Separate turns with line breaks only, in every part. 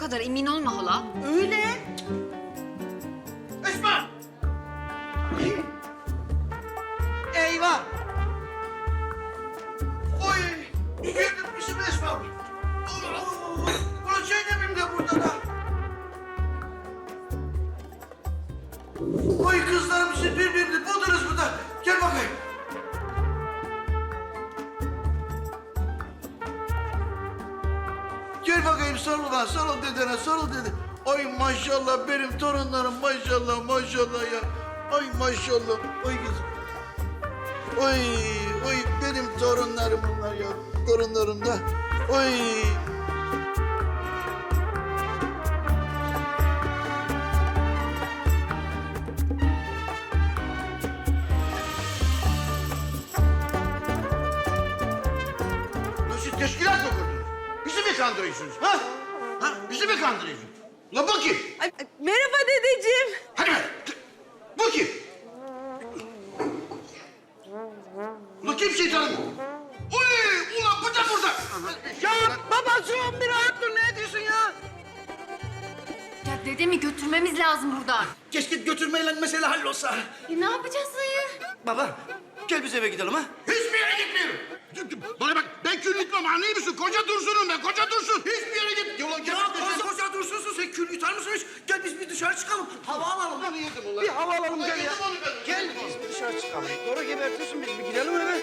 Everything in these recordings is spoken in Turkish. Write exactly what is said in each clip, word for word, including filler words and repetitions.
kadar emin olma hala.
Öyle.
Esma!
Eyvah.
Oy! Getirmişim Esma. Ulan Zeynep'im de burada da. Oy kızlarım siz birbirini buldunuz burada. Gel bakayım. Gel bakayım sarıl lan, sarıl dedene, sarıl dede. Ay maşallah benim torunlarım maşallah maşallah ya. Ay maşallah. Oy kızım. Oy, oy benim torunlarım bunlar ya. Torunlarım da. Oy. Nasıl teşkilat mı kurdunuz? Bizi mi kandırıyorsunuz ha? Ha? Bizi mi kandırıyorsunuz? La bu kim?
Ay, ay, merhaba dedeciğim.
Hadi be. Bu kim? Ulan kim şeytanım? Uy! Ulan bu da burada. Ya babacığım bir rahat dur. Ne diyorsun ya?
Ya dedemi götürmemiz lazım buradan.
Keşke götürmeyle mesele hallolsa.
E, ne yapacağız dayı?
Baba, gel biz eve gidelim ha.
Hiçbir yere gitmiyorum. Bana bak ben kül yutmam anlıyor musun? Koca Dursun'um ben koca Dursun. Hiçbir yere git. Yola
Ya koca koca dursunsun sen kül yutar mısın hiç? Gel biz bir dışarı çıkalım, hava alalım.
Ben yedim ulan.
Bir hava alalım
Ulan
gel ya.
yedim onu ben.
Gel
Yedim
biz
onu.
bir dışarı çıkalım. Doğru gebertiyorsun biz bir gidelim eve.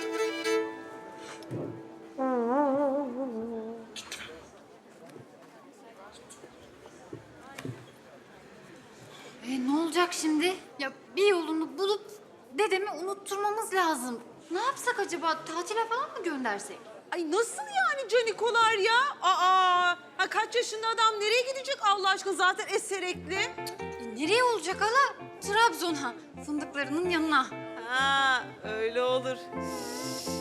E, ne olacak şimdi? Ya bir yolunu bulup dedemi unutturmamız lazım. Ne yapsak acaba? Tatile falan mı göndersek?
Ay nasıl yani canikolar ya? Aa, ha kaç yaşında adam nereye gidecek Allah aşkına zaten eserekli.
E, nereye olacak hala? Trabzon'a, fındıklarının yanına.
Ha öyle olur.